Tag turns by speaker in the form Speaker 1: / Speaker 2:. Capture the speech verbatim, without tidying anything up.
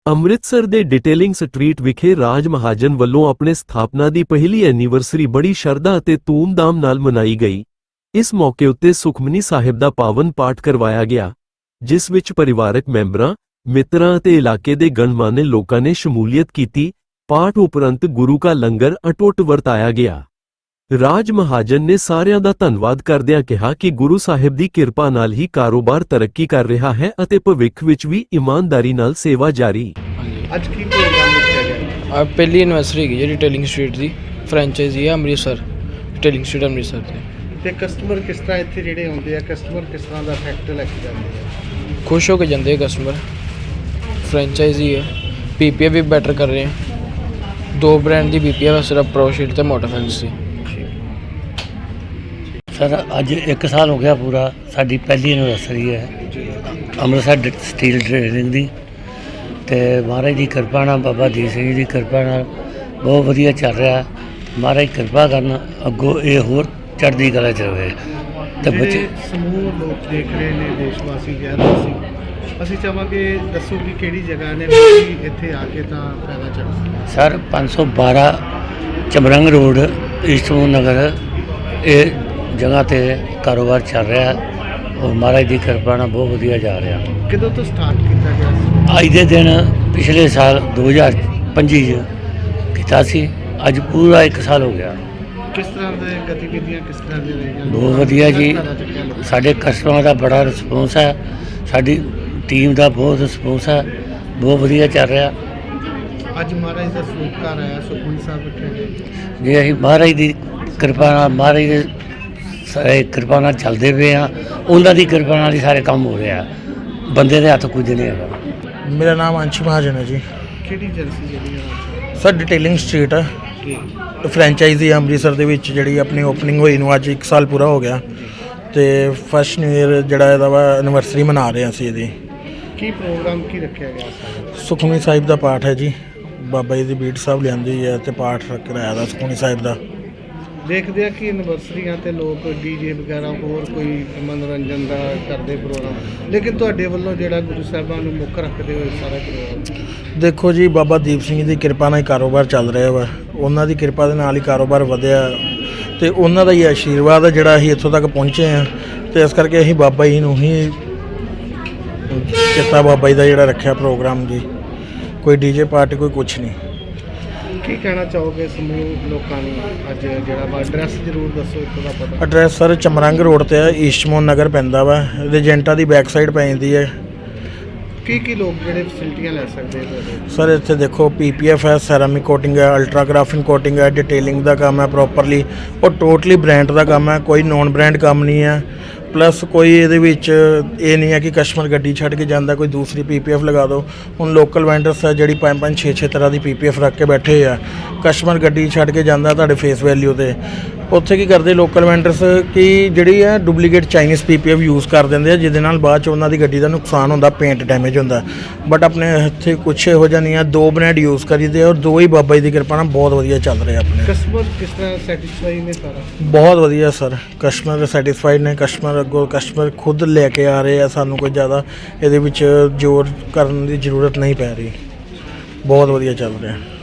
Speaker 1: ਅੰਮ੍ਰਿਤਸਰ ਦੇ detailing street ਵਿਖੇ ਰਾਜ ਮਹਾਜਨ ਵੱਲੋਂ ਆਪਣੇ ਸਥਾਪਨਾ ਦੀ ਪਹਿਲੀ ਐਨੀਵਰਸਰੀ ਬੜੀ ਸ਼ਰਧਾ ਅਤੇ ਧੂਮਧਾਮ ਨਾਲ ਮਨਾਈ ਗਈ। ਇਸ ਮੌਕੇ ਉੱਤੇ ਸੁਖਮਨੀ ਸਾਹਿਬ ਦਾ ਪਾਵਨ ਪਾਠ ਕਰਵਾਇਆ ਗਿਆ, ਜਿਸ ਵਿੱਚ ਪਰਿਵਾਰਕ ਮੈਂਬਰਾਂ, ਮਿੱਤਰਾਂ ਅਤੇ ਇਲਾਕੇ ਦੇ ਗਣਮਾਨੇ ਲੋਕਾਂ ਨੇ ਸ਼ਮੂਲੀਅਤ ਕੀਤੀ। ਪਾਠ ਉਪਰੰਤ ਗੁਰੂ ਕਾ ਲੰਗਰ ਅਟੁੱਟ ਵਰਤਾਇਆ ਗਿਆ। ਰਾਜ ਮਹਾਜਨ ਨੇ ਸਾਰਿਆਂ ਦਾ ਧੰਨਵਾਦ ਕਰਦਿਆਂ ਕਿਹਾ ਕਿ ਗੁਰੂ ਸਾਹਿਬ ਦੀ ਕਿਰਪਾ ਨਾਲ ਹੀ ਕਾਰੋਬਾਰ ਤਰੱਕੀ ਕਰ ਰਿਹਾ ਹੈ ਅਤੇ ਭਵਿੱਖ ਵਿੱਚ ਵੀ ਇਮਾਨਦਾਰੀ ਨਾਲ ਸੇਵਾ ਜਾਰੀ।
Speaker 2: ਅੱਜ ਕੀ ਪ੍ਰੋਗਰਾਮ ਰੱਖਿਆ ਗਿਆ?
Speaker 3: ਆ ਪਹਿਲੀ ਐਨਵਰਸਰੀ ਹੈਗੀ ਜੀ ਡਿਟੇਲਿੰਗ ਸਟਰੀਟ ਦੀ, ਫਰੈਂਚਾਈਜ਼ੀ ਹੈ ਅੰਮ੍ਰਿਤਸਰ, ਡਿਟੇਲਿੰਗ ਸਟਰੀਟ ਅੰਮ੍ਰਿਤਸਰ ਦੀ।
Speaker 2: ਤੇ ਕਸਟਮਰ ਕਿਸ ਤਰ੍ਹਾਂ ਇੱਥੇ ਜਿਹੜੇ ਆਉਂਦੇ ਆ, ਕਸਟਮਰ ਕਿਸ ਤਰ੍ਹਾਂ ਦਾ ਇਫੈਕਟ ਲੈ ਕੇ ਜਾਂਦੇ ਆ?
Speaker 3: ਖੁਸ਼ ਹੋ ਕੇ ਜਾਂਦੇ ਕਸਟਮਰ। ਫਰੈਂਚਾਈਜ਼ੀ ਹੈ, ਪੀ ਪੀ ਐਫ ਵੀ ਬੈਟਰ ਕਰ ਰਹੇ ਆ। ਦੋ ਬ੍ਰਾਂਡ ਦੀ ਪੀ ਪੀ ਐਫ, ਸਿਰਫ ਪ੍ਰੋਸ਼ੀਟ ਤੇ ਮੋਟਰ ਫੈਂਸੀ।
Speaker 4: सर अज एक साल हो गया पूरा, साड़ी पहली एनिवर्सरी है अमृतसर स्टील ट्रेडिंग की। तो महाराज की कृपा नाल, बाबा दीप सिंह जी की कृपा नाल बहुत वधिया चल रहा है। महाराज कृपा करना अगों ये होर चढ़दी कला च रहे। तो बच्चे
Speaker 2: समूह लोग देख रहे हैं, देशवासी गैरवासी, ਅਸੀਂ ਚਾਹਾਂਗੇ ਦੱਸੋ ਕਿ ਕਿਹੜੀ ਜਗ੍ਹਾ ਨੇ ਇੱਥੇ ਆ ਕੇ ਤਾਂ ਫਾਇਦਾ ਚੱਕ ਸਕਦਾ।
Speaker 4: सर पाँच सौ बारह चमरंग रोड ईस्टमोन नगर ये जगह ते कारोबार चल रहा है और महाराज की कृपा नाल बहुत वधिया जा रहा।
Speaker 2: कदों तो स्टार्ट किया गया?
Speaker 4: अज के दिन पिछले साल दो हज़ार पंजी किया सी, अज पूरा एक साल हो गया।
Speaker 2: किस तरह की गतिविधियां किस तरह की रही?
Speaker 4: बहुत वधिया जी, साढ़े कस्टमर का बड़ा रिस्पोंस है, साड़ी टीम का बहुत रिस्पोंस है, बहुत वधिया चल रहा।
Speaker 2: अज महाराज का सरूप घर आया, सुखमनी साहब रखे गए
Speaker 4: जी। अं महाराज की कृपा नाल, महाराज के ਸਾਰੇ ਕਿਰਪਾ ਨਾਲ ਚੱਲਦੇ ਪਏ ਆ, ਉਹਨਾਂ ਦੀ ਕਿਰਪਾ ਨਾਲ ਹੀ ਸਾਰੇ ਕੰਮ ਹੋ ਰਿਹਾ। ਬੰਦੇ ਦੇ ਹੱਥ ਕੁਝ ਨਹੀਂ ਹੈਗਾ।
Speaker 5: ਮੇਰਾ ਨਾਮ ਅੰਸ਼ ਮਹਾਜਨ ਹੈ ਜੀ।
Speaker 2: ਕਿਹੜੀ ਏਜੰਸੀ ਜਿਹੜੀ ਹੈ?
Speaker 5: ਸਰ ਡਿਟੇਲਿੰਗ ਸਟਰੀਟ ਹੈ, ਫਰੈਂਚਾਈਜ਼ੀ ਅੰਮ੍ਰਿਤਸਰ ਦੇ ਵਿੱਚ ਜਿਹੜੀ ਆਪਣੀ ਓਪਨਿੰਗ ਹੋਈ ਨੂੰ ਅੱਜ ਇੱਕ ਸਾਲ ਪੂਰਾ ਹੋ ਗਿਆ। ਤੇ ਫਸਟ ਨਿਊ ਈਅਰ ਜਿਹੜਾ ਇਹਦਾ ਵਾ ਐਨਵਰਸਰੀ ਮਨਾ ਰਹੇ ਅਸੀਂ ਇਹਦੀ।
Speaker 2: ਕੀ ਪ੍ਰੋਗਰਾਮ ਕੀ ਰੱਖਿਆ ਗਿਆ?
Speaker 5: ਸੁਖਮਨੀ ਸਾਹਿਬ ਦਾ ਪਾਠ ਹੈ ਜੀ, ਬਾਬਾ ਜੀ ਦੀ ਬੀਟ ਸਾਹਿਬ ਲਿਆਂਦੀ ਹੈ ਤੇ ਪਾਠ ਕਰਾਇਆ ਦਾ ਸੁਖਮਨੀ ਸਾਹਿਬ ਦਾ।
Speaker 2: ਦੇਖਦੇ ਆ ਕਿ ਐਨਵਰਸਰੀਆਂ ਤੇ ਲੋਕ ਡੀਜੇ ਵਗੈਰਾ ਹੋਰ ਕੋਈ ਮਨੋਰੰਜਨ ਦਾ ਕਰਦੇ ਪ੍ਰੋਗਰਾਮ, ਲੇਕਿਨ ਤੁਹਾਡੇ ਵੱਲੋਂ ਜਿਹੜਾ ਗੁਰੂ ਸਾਹਿਬਾਨ ਨੂੰ ਮੁੱਖ ਰੱਖਦੇ ਹੋਏ ਸਾਰਾ ਪ੍ਰੋਗਰਾਮ।
Speaker 5: ਦੇਖੋ ਜੀ, ਬਾਬਾ ਦੀਪ ਸਿੰਘ ਦੀ ਕਿਰਪਾ ਨਾਲ ਹੀ ਕਾਰੋਬਾਰ ਚੱਲ ਰਿਹਾ ਵਾ। ਉਹਨਾਂ ਦੀ ਕਿਰਪਾ ਦੇ ਨਾਲ ਹੀ ਕਾਰੋਬਾਰ ਵਧਿਆ ਤੇ ਉਹਨਾਂ ਦਾ ਹੀ ਆਸ਼ੀਰਵਾਦ ਹੈ ਜਿਹੜਾ ਅਸੀਂ ਇੱਥੋਂ ਤੱਕ ਪਹੁੰਚੇ ਹਾਂ। ਤੇ ਇਸ ਕਰਕੇ ਅਸੀਂ ਬਾਬਾ ਜੀ ਨੂੰ ਹੀ ਕੀਤਾ, ਬਾਬਾ ਜੀ ਦਾ ਜਿਹੜਾ ਰੱਖਿਆ ਪ੍ਰੋਗਰਾਮ ਜੀ। ਕੋਈ ਡੀਜੇ ਪਾਰਟੀ, ਕੋਈ ਕੁਛ ਨਹੀਂ।
Speaker 2: ਕੀ ਕਹਿਣਾ ਚਾਹੋਗੇ ਸਮੂਹ ਲੋਕਾਂ ਨੂੰ? ਅੱਜ ਜਿਹੜਾ ਵਾ ਐਡਰੈਸ ਜ਼ਰੂਰ ਦੱਸੋ ਇੱਥੋਂ ਦਾ ਪਤਾ।
Speaker 5: ਐਡਰੈਸ ਸਰ ਚਮਰੰਗ ਰੋਡ ਤੇ ਹੈ, ਈਸਟਮੋਨ ਨਗਰ ਪੈਂਦਾ ਵਾ। ਰਜੈਂਟਾ ਦੀ ਬੈਕ ਸਾਈਡ ਪੈ ਜਾਂਦੀ ਹੈ।
Speaker 2: ਕੀ ਕੀ ਲੋਕ ਜਿਹੜੇ ਫੈਸਿਲਿਟੀਆਂ ਲੈ ਸਕਦੇ ਆ
Speaker 5: ਸਰ? ਇੱਥੇ ਦੇਖੋ ਪੀ ਪੀ ਐਫ ਹੈ, ਸੈਰਾਮਿਕ ਕੋਟਿੰਗ ਹੈ, ਅਲਟਰਾਗ੍ਰਾਫਿੰਗ ਕੋਟਿੰਗ ਹੈ, ਡਿਟੇਲਿੰਗ ਦਾ ਕੰਮ ਹੈ ਪ੍ਰੋਪਰਲੀ, ਉਹ ਟੋਟਲੀ ਬ੍ਰਾਂਡ ਦਾ ਕੰਮ ਹੈ, ਕੋਈ ਨੋਨ ਬ੍ਰਾਂਡ ਕੰਮ ਨਹੀਂ ਹੈ। ਪਲੱਸ ਕੋਈ ਇਹਦੇ ਵਿੱਚ ਇਹ ਨਹੀਂ ਹੈ ਕਿ ਕਸਟਮਰ ਗੱਡੀ ਛੱਡ ਕੇ ਜਾਂਦਾ ਕੋਈ ਦੂਸਰੀ ਪੀ ਪੀ ਐਫ ਲਗਾ ਦਿਓ। ਹੁਣ ਲੋਕਲ ਵੈਂਡਰਸ ਹੈ ਜਿਹੜੀ ਪੰਜ ਪੰਜ ਛੇ ਛੇ ਤਰ੍ਹਾਂ ਦੀ ਪੀ ਪੀ ਐਫ ਰੱਖ ਕੇ ਬੈਠੇ ਆ। ਕਸਟਮਰ ਗੱਡੀ ਛੱਡ ਕੇ ਜਾਂਦਾ ਤੁਹਾਡੇ ਫੇਸ ਵੈਲਿਊ 'ਤੇ। ਉੱਥੇ ਕੀ ਕਰਦੇ ਲੋਕਲ ਵੈਂਡਰਸ ਕਿ ਜਿਹੜੀ ਹੈ duplicate Chinese P P F use ਕਰ ਦਿੰਦੇ ਆ, ਜਿਹਦੇ ਨਾਲ ਬਾਅਦ 'ਚ ਉਹਨਾਂ ਦੀ ਗੱਡੀ ਦਾ ਨੁਕਸਾਨ ਹੁੰਦਾ, ਪੇਂਟ ਡੈਮੇਜ ਹੁੰਦਾ। ਬਟ ਆਪਣੇ ਇੱਥੇ ਕੁਛ ਇਹੋ ਜਿਹਾ ਨਹੀਂ ਆ, ਦੋ ਬ੍ਰਾਂਡ ਯੂਜ਼ ਕਰੀਦੇ ਔਰ ਦੋ ਹੀ ਬਾਬਾ ਜੀ ਦੀ ਕਿਰਪਾ ਨਾਲ ਬਹੁਤ ਵਧੀਆ ਚੱਲ ਰਿਹਾ ਆਪਣੇ।
Speaker 2: ਕਸਟਮਰ ਕਿਸ ਤਰ੍ਹਾਂ ਸੈਟੀਸਫਾਈ ਨੇ? ਸਾਰਾ
Speaker 5: ਬਹੁਤ ਵਧੀਆ ਸਰ, ਕਸਟਮਰ ਸੈਟੀਸਫਾਈਡ ਨੇ। ਕਸਟਮਰ ਅੱਗੋਂ ਕਸਟਮਰ ਖੁਦ ਲੈ ਕੇ ਆ ਰਹੇ ਆ, ਸਾਨੂੰ ਕੋਈ ਜ਼ਿਆਦਾ ਇਹਦੇ ਵਿੱਚ ਜ਼ੋਰ ਕਰਨ ਦੀ ਜ਼ਰੂਰਤ ਨਹੀਂ ਪੈ ਰਹੀ। ਬਹੁਤ ਵਧੀਆ ਚੱਲ ਰਿਹਾ।